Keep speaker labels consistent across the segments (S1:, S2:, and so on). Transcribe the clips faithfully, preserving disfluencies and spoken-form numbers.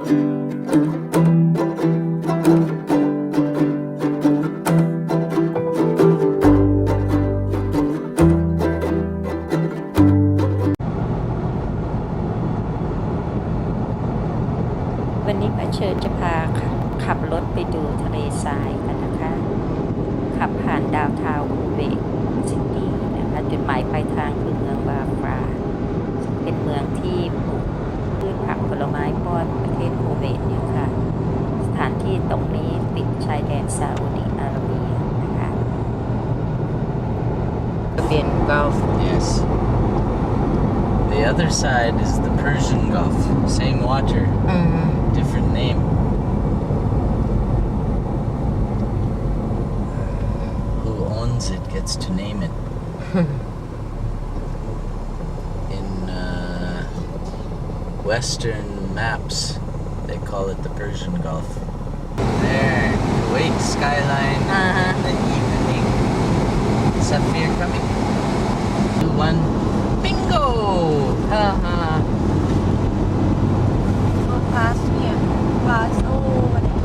S1: วันนี้ป้าเชิญจะพาขับรถไปดูทะเลทรายกันนะคะขับผ่านดาวทาวน์คูเวตซิตี้นะคะจุดหมายปลายทางคือเมืองบาฟราซึ่งเป็นเมืองที่ปลูกพืชผักผลไม้ป้อนประเทศคูเวตเนี่ยค่ะสถานที่ตรงนี้ติดชายแดนซาอุดิอาระเบียนะคะเป็น Gulf
S2: Yes. The other side is the Persian Gulf. Same water,
S1: อืม
S2: different name. Who owns it gets to name it. In uh, Western maps, they call it the Persian Gulf. There, Kuwait skyline
S1: Uh-huh.
S2: in the evening. Safir coming. Two, one. Bingo!
S1: เออฮะ
S3: pass here, pass over there.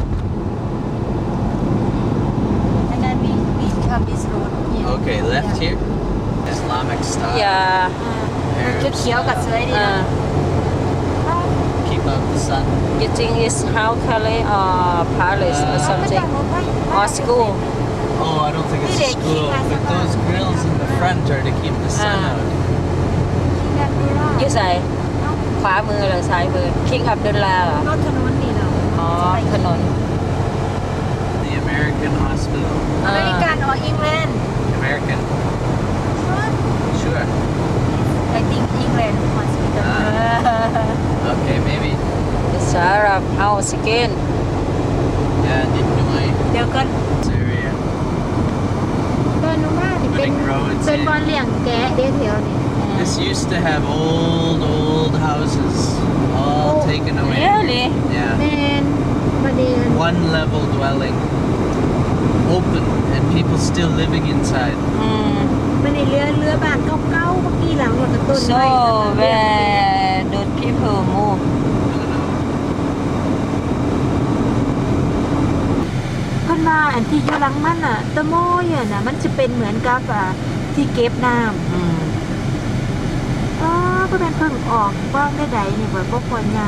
S3: And then we, we come this road here.
S2: Okay, left
S3: Yeah.
S2: here. Islamic style.
S1: อย่า
S3: จุดเขียวกับสวยดี
S1: อ่า
S3: นะ
S2: Keep out the sun.
S1: you think it's how Calais or Paris or something or school
S2: Oh, I don't think it's a school. But those grills in the front are to keep the sun
S1: Ah.
S2: out.
S1: อยู่ใส่ขวามือหรือซ้ายมือ King Abdullah เหรอ
S3: รถถนนนี่เนาะ
S1: อ๋อถนน
S2: The American hospital.
S3: อเมริกันor England
S2: American. Sure.
S3: I think England hospital
S2: Ah. Okay, maybe.
S1: It's Arab house again
S2: Yeah, didn't know I.
S3: เดี๋ยวก่อน
S2: This area.
S3: เดินลงมานี่เป็น
S2: Putting roads
S3: เป็นบอล
S2: in.
S3: เลี้ยงแกะเดี๋ยวเดี๋ยวนี่
S2: This used to have old, old houses, all
S3: Oh,
S2: taken away.
S1: really
S3: แม
S2: Yeah.
S3: นประเด็น
S2: One level dwelling. Open, and people still living inside.
S1: อืม
S3: มันในเรือเรือบ้านเก่าๆเมื่อกี้หลังรถต้น
S1: so
S3: ไม้
S1: where do people move
S2: I don't know.
S3: เพิ่นว่าอันที่อยู่หลังมันอ่ะตะโมยอ่ะน่ะมันจะเป็นเหมือนกับอ่ะที่เก็บน้ำ
S1: อืม
S3: อ๋อก็เป็นเพิ่งออกว่างได้ใดนี่บ่บ่ควรย่าง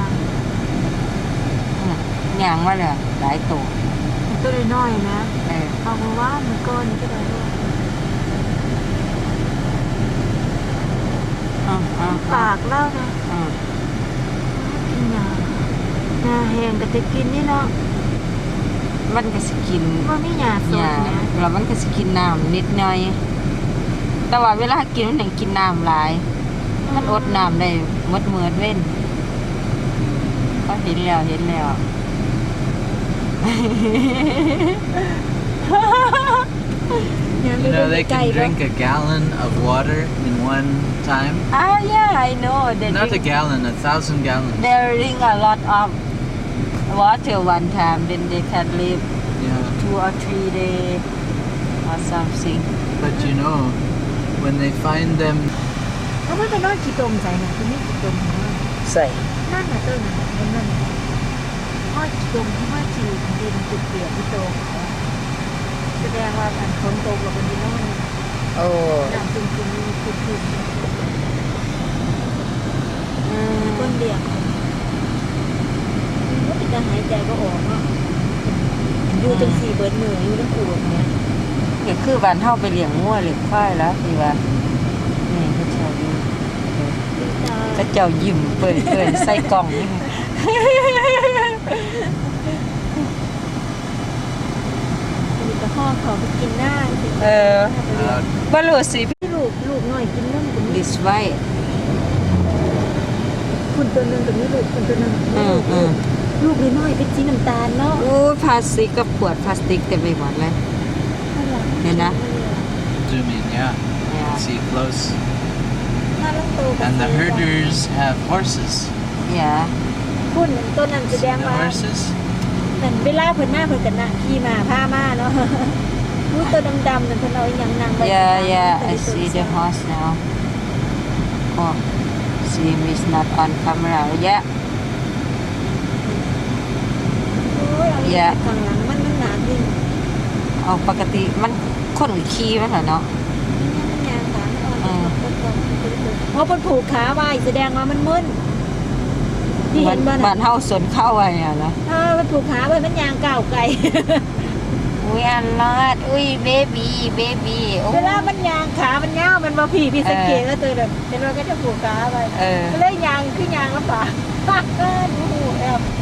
S1: อย่างว่าเลยหลายตัว
S3: ตัวน้อยๆนะ
S1: เออ
S3: เอามาว่ามันก้อนนี่ก็ได้ลูก
S1: อืมอืม
S3: ปากเล่านะ
S1: อืม
S3: กินยาหน้าแห้งก็จะกินนี่เนาะ
S1: มันก็สกิน
S3: ว่ามีหยาสด
S1: ยา
S3: นะ
S1: แล้วมันก็สกินน้ำนิดหน่อย แต่ว่าเวลากินมันยังกินน้ำหลาย มันอดน้ำได้หมดมือเว้นก็เห็นแล้วเห็นแล้ว
S2: You know, they can drink a gallon of water in one time.
S1: Ah, yeah, I know. They
S2: Not a
S1: drink,
S2: gallon, a thousand gallons.
S1: they drink a lot of water one time, then they can live
S2: Yeah.
S1: two or three days or something.
S2: But you know, when they find them,
S3: เอามันก็น้อยขี้ตมใส่น่ะคือมีขี้ตมนะ
S1: ใส่
S3: นั่นน่ะต้นน่ะมันนั่นน่ะห้อยขี้ตมห้อยขี้ดินจุดเปียกที่โตแสดงว่ามันฝนตกแล้วมันดินแล้วมัน
S1: โอ้
S3: น้ำซึมๆมีขุ่น
S1: อื
S3: ๆ
S1: ม
S3: ต้นเดียงมันติดการหายใจก็ออกเนาะอยู่จังสี่เบิดมืออยู่ทั้งปวดเนี่ย
S1: ก็คือบ้านเฮาไปเลี้ยงงัวเลี้ยงควายแล้วที่ว่านี่เขาเจ้าอยู่เขาเจ้ายิ้มเปิดเปิดใส่กล่องนี่
S3: มีกระห้อเขาไปกินหน้าสิ
S1: เออ
S2: uh,
S1: บ่รู้สิ
S3: ลูกลูกหน่อยกินนมกับนี่
S1: this way
S3: คุณตัวหนึงกับนี่ลูกคุณตัวหนึง
S1: อืมอืม
S3: ลูกน้อยๆเป็นสีน้ำตาลเนาะ
S1: อู้พลาสติกกับขวดพลาสติกเต็มไปหมดเลย เห็นนะ
S2: zoom in, yeah.
S1: Yeah.
S2: See close.
S3: น่ารักโตกับ
S2: And the herders have horses.
S1: อย่า
S3: คุณต้นนั้นแส
S2: See
S3: ดง
S2: the
S3: ว่า
S2: horses?
S3: นั่นเวลาเพิ่นมาเพิ่นก็น่ะขี่ม้าพามาเนาะ รู้ตัวดำๆนั่นเพิ่นเอาอีหยังนั่งไว้
S1: yeah yeah I see the horse now oh see is not on camera yeah อย่า
S3: ข้างหลังมันมันหนาขึ้น
S1: เอาปกติมันคนขี่มันเหรอเนาะ
S3: มันยางขามันอ่อน
S1: อืม
S3: เพราะมันผูกขาไว้แสดงว่ามันมึนที่เห็นบ้า
S1: บ้า
S3: นะ
S1: นเฮาสนเข้าไว้อะนะ
S3: เออมันผูกขาไว้มันยางก้าวไกล
S1: อุ้ยอันลอดอุ้ยเบบีเบบีโอ้
S3: เวลามันยางขามันเงาวมันมาผีพี่สังเกตว่าตัวแบบเห็นว่าก็จะผูกขาไว้
S1: เออ
S3: ก็เลยยางคือยางลำบากเออดูแอบ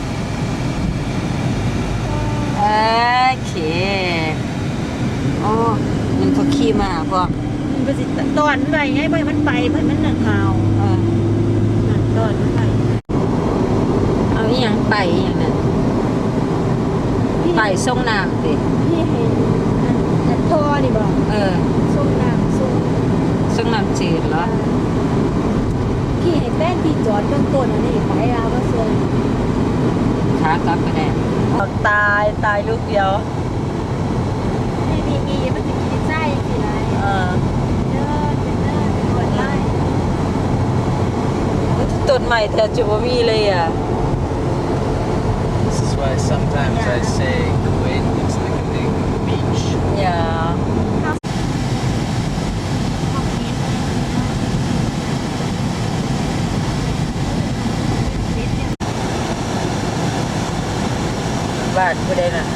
S1: โอเคโอ้มันเขาขี่มาพวก
S3: มันไปสิตอนไปไงไปมันไปเพื่อนมันหนังหาว
S1: เออ
S3: หนังตอนมันไป
S1: เอาอีหยังไปอหย่างนั้นไปส่งน้ำสิ
S3: พี่เห็นอันอันทอนี่บอก
S1: เออ
S3: ส่งน้ำส่ง
S1: ส่งน้ำจืดเหรอ
S3: พี่ให้แป้นพี่จอดเบื้องต้นอันนี้ไปลาวก็ส่ง
S1: ขากลับไปแน่
S3: ตายตายลูกเดียวนี่นี่นี่มันจะกินไส้สิไร
S1: เออ
S3: เด้อเด้อเด้อปวดไล่
S1: ต้นใหม่แทบจะบ่มีเลยอ่ะ
S2: This is why sometimes I say Kuwait looks like a big beach.
S1: อย่าบ้านผู้ใดน่ะ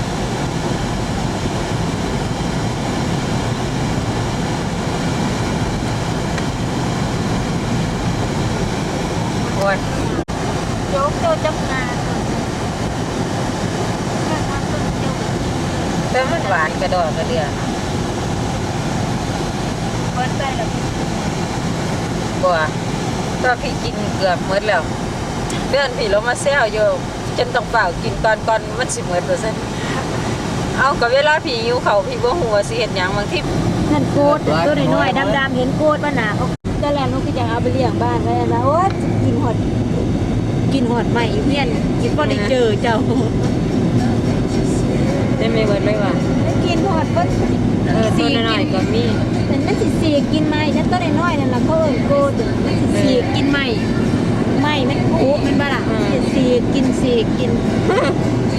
S1: โอ้ย
S3: โจ๊กโจ๊กจับงานแค่ความต้นโจ๊ก
S1: แต่มันหวานกระดอกกระเดีย
S3: เปิดไปแล้ว
S1: บัวก็พี่กินเกือบหมดแล้วเดือนพี่เรามาแซวอยู่จนต้องเปล่ากินก่อนก่อนมันสิหมดตัวเส้นเอากับเวลาพี่หิวเขาวพี่บ่หัวาสิเห็นหยังบางที
S3: นั่นโกดตัวน้อยๆดำๆเห็นโกดว่าหนาเขาแต่แล้วลูกก็จะเอาไปเลี้ยงบ้านไว้นะโอ๊ยกินหอดกินหอดใหม่อยู่เพี้ยนกินพอได้เจอเจ้า
S1: ได้ไม่เบิดเลยว่ะ
S3: แล้วกินหอดเพิ่น
S1: เออตัวน้อยๆก็มี
S3: เป็นมันสิสีกินไหมนั่นตัวน้อยๆนั่นล่ะเขาเอิ้นโกดมันสิสีกินไหมไหมมันคุมันบ่ล่ะสิสีกินสีกิน